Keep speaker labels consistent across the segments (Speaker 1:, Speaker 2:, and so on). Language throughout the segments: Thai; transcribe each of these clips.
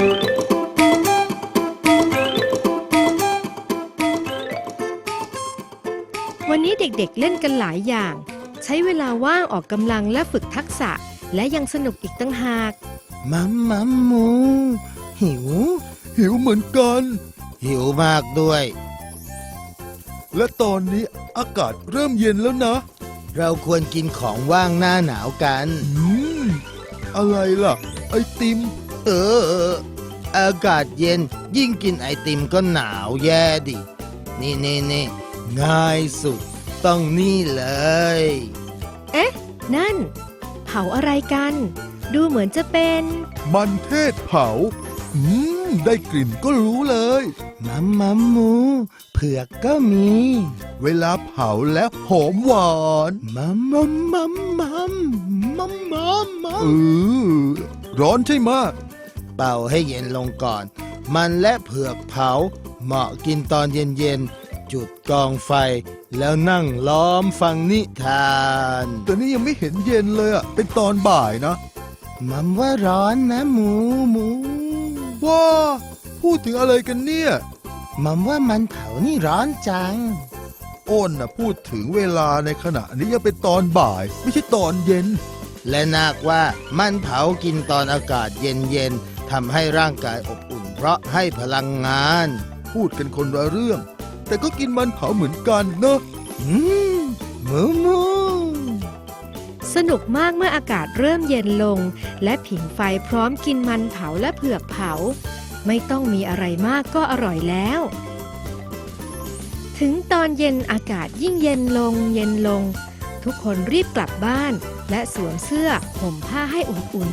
Speaker 1: วันนี้เด็กๆเล่นกันหลายอย่างใช้เวลาว่างออกกำลังและฝึกทักษะและยังสนุกอีกตั้งหาก
Speaker 2: มัมมัมหมูหิว
Speaker 3: เหมือนกัน
Speaker 2: หิวมากด้วย
Speaker 3: และตอนนี้อากาศเริ่มเย็นแล้วนะ
Speaker 2: เราควรกินของว่างหน้าหนาวกัน
Speaker 3: อะไรล่ะไอติม
Speaker 2: อากาศเย็นยิ่งกินไอติมก็หนาวแย่ดินี่ง่ายสุดต้องนี่เลย
Speaker 1: เอ๊ะนั่นเผาอะไรกันดูเหมือนจะเป็น
Speaker 3: มันเทศเผาได้กลิ่นก็รู้เลย
Speaker 2: มัมหมูเผือกก็มี
Speaker 3: เวลาเผาแล้วหอมหวาน
Speaker 2: มัม
Speaker 3: ร้อนใช่ไหม
Speaker 2: เป่าให้เย็นลงก่อนมันและเผือกเผาเหมาะกินตอนเย็นๆจุดกองไฟแล้วนั่งล้อมฟังนิทาน
Speaker 3: แต่นี่ยังไม่เห็นเย็นเลยอ่ะเป็นตอนบ่ายนะ
Speaker 2: มัมว่าร้อนนะหมู
Speaker 3: ว้าพูดถึงอะไรกันเนี่ย
Speaker 2: มัมว่ามันเผานี่ร้อนจัง
Speaker 3: อ้นน่ะพูดถึงเวลาในขณะนี้ยังเป็นตอนบ่ายไม่ใช่ตอนเย็น
Speaker 2: และนาคว่ามันเผากินตอนอากาศเย็นทำให้ร่างกายอบอุ่นเพราะให้พลังงาน
Speaker 3: พูดกันคนละเรื่องแต่ก็กินมันเผาเหมือนกันเนอะ
Speaker 2: หมู
Speaker 1: สนุกมากเมื่ออากาศเริ่มเย็นลงและผิงไฟพร้อมกินมันเผาและเผือกเผาไม่ต้องมีอะไรมากก็อร่อยแล้วถึงตอนเย็นอากาศยิ่งเย็นลงทุกคนรีบกลับบ้านและสวมเสื้อห่มผ้าให้อุ่น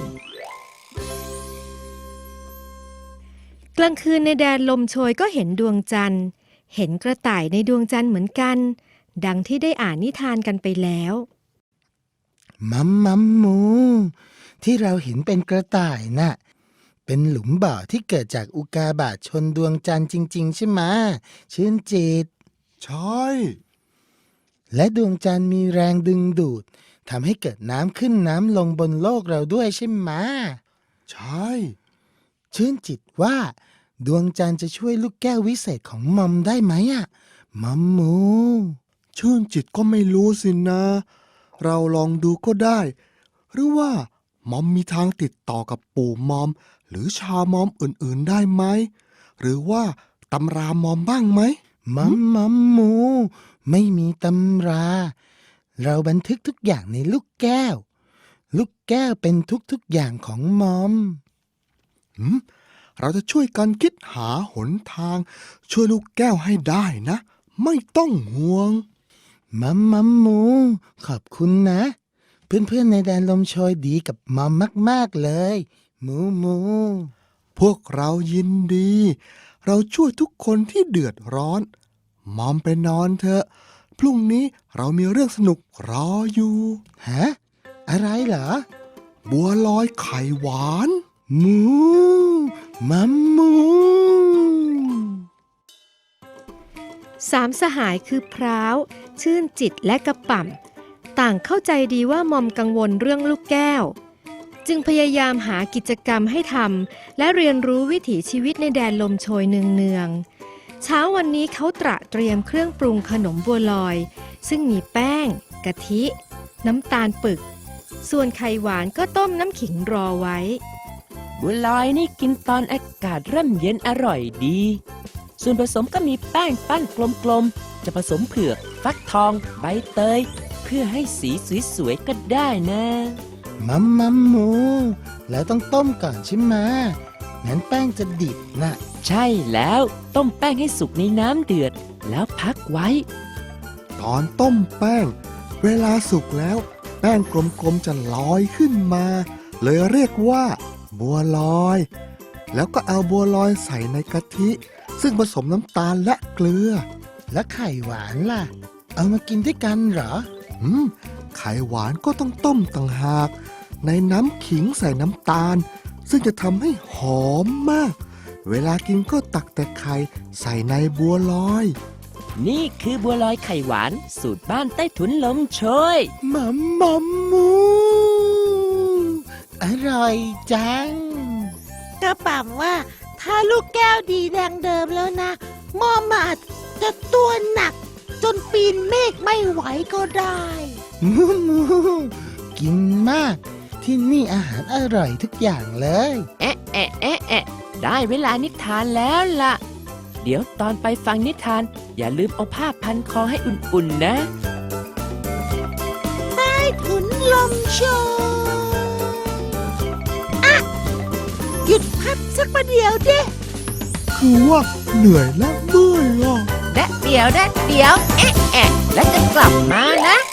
Speaker 1: ๆกลางคืนในแดนลมโชยก็เห็นดวงจันทร์เห็นกระต่ายในดวงจันทร์เหมือนกันดังที่ได้อ่านนิทานกันไปแล้ว
Speaker 2: มัมหมูที่เราเห็นเป็นกระต่ายน่ะเป็นหลุมบ่อที่เกิดจากอุกกาบาตชนดวงจันทร์จริงๆใช่ไหมชื่นจิต
Speaker 3: ใช่
Speaker 2: และดวงจันทร์มีแรงดึงดูดทำให้เกิดน้ำขึ้นน้ำลงบนโลกเราด้วยใช่ไหม
Speaker 3: ใช่
Speaker 2: ชื่นจิตว่าดวงจันทร์จะช่วยลูกแก้ววิเศษของมัมได้ไหมอ่ะมัมหมู
Speaker 3: ชื่นจิตก็ไม่รู้สินะเราลองดูก็ได้หรือว่ามัมมีทางติดต่อกับปู่มัมหรือชาวมัมอื่นๆได้ไหมหรือว่าตำรามัมบ้างไหม
Speaker 2: มัมหมูไม่มีตำราเราบันทึกทุกอย่างในลูกแก้วเป็นทุกๆอย่างของมัม
Speaker 3: เราจะช่วยกันคิดหาหนทางช่วยลูกแก้วให้ได้นะไม่ต้องห่วง
Speaker 2: มัมหมูขอบคุณนะเพื่อนๆในแดนลมโชยดีกับมัมมากๆเลยหมู
Speaker 3: พวกเรายินดีเราช่วยทุกคนที่เดือดร้อนมัมไปนอนเถอะพรุ่งนี้เรามีเรื่องสนุกรออยู่
Speaker 2: ฮะอะไรเหรอ
Speaker 3: บัวลอยไข่หวาน
Speaker 2: มัมหมู
Speaker 1: สามสหายคือพร้าวชื่นจิตและกระป่ำต่างเข้าใจดีว่ามอมกังวลเรื่องลูกแก้วจึงพยายามหากิจกรรมให้ทำและเรียนรู้วิถีชีวิตในแดนลมโชยเนืองๆเช้าวันนี้เขาเตรียมเครื่องปรุงขนมบัวลอยซึ่งมีแป้งกะทิน้ำตาลปึกส่วนไข่หวานก็ต้มน้ำขิงรอไว้
Speaker 4: บัวลอยนี่กินตอนอากาศเริ่มเย็นอร่อยดีส่วนผสมก็มีแป้งปั้นกลมๆจะผสมเผือกฟักทองใบเตยเพื่อให้สีสวยๆก็ได้นะ
Speaker 2: มัมหมูแล้วต้องต้มก่อนใช่ไหมงั้นแป้งจะดิบนะ
Speaker 4: ใช่แล้วต้มแป้งให้สุกในน้ำเดือดแล้วพักไว้
Speaker 3: ตอนต้มแป้งเวลาสุกแล้วแป้งกลมๆจะลอยขึ้นมาเลยเรียกว่าบัวลอยแล้วก็เอาบัวลอยใส่ในกะทิซึ่งผสมน้ำตาลและเกลือ
Speaker 2: และไข่หวานล่ะเอามากินด้วยกันเหรอ
Speaker 3: ไข่หวานก็ต้องต้มต่างหากในน้ำขิงใส่น้ำตาลซึ่งจะทำให้หอมมากเวลากินก็ตักแต่ไข่ใส่ในบัวลอย
Speaker 4: นี่คือบัวลอยไข่หวานสูตรบ้านใต้ถุนลมโชย
Speaker 2: มัมหมูอร่อยจัง
Speaker 5: กระป๋ำว่า ถ้าลูกแก้วดีแดงเดิมแล้วนะมอมอาจจะตัวหนัก จนปีนเมฆไม่ไหวก็ได้
Speaker 2: มูมูกินมาก ที่นี่อาหารอร่อยทุกอย่างเลย
Speaker 4: แอะแอะแอะแอะได้เวลานิทานแล้วล่ะ เดี๋ยวตอนไปฟังนิทาน อย่าลืมเอาผ้าพันคอให้อุ่นๆนะ
Speaker 5: ขุนลมโชอ่ะหยุดพักสักประเดี๋ยวดิ
Speaker 3: คือว่าเหนื่อยและเมื่อยอ่ะ
Speaker 4: แดะเดี๋ยว เอ๊ะแอะแล้วจะกลับมานะ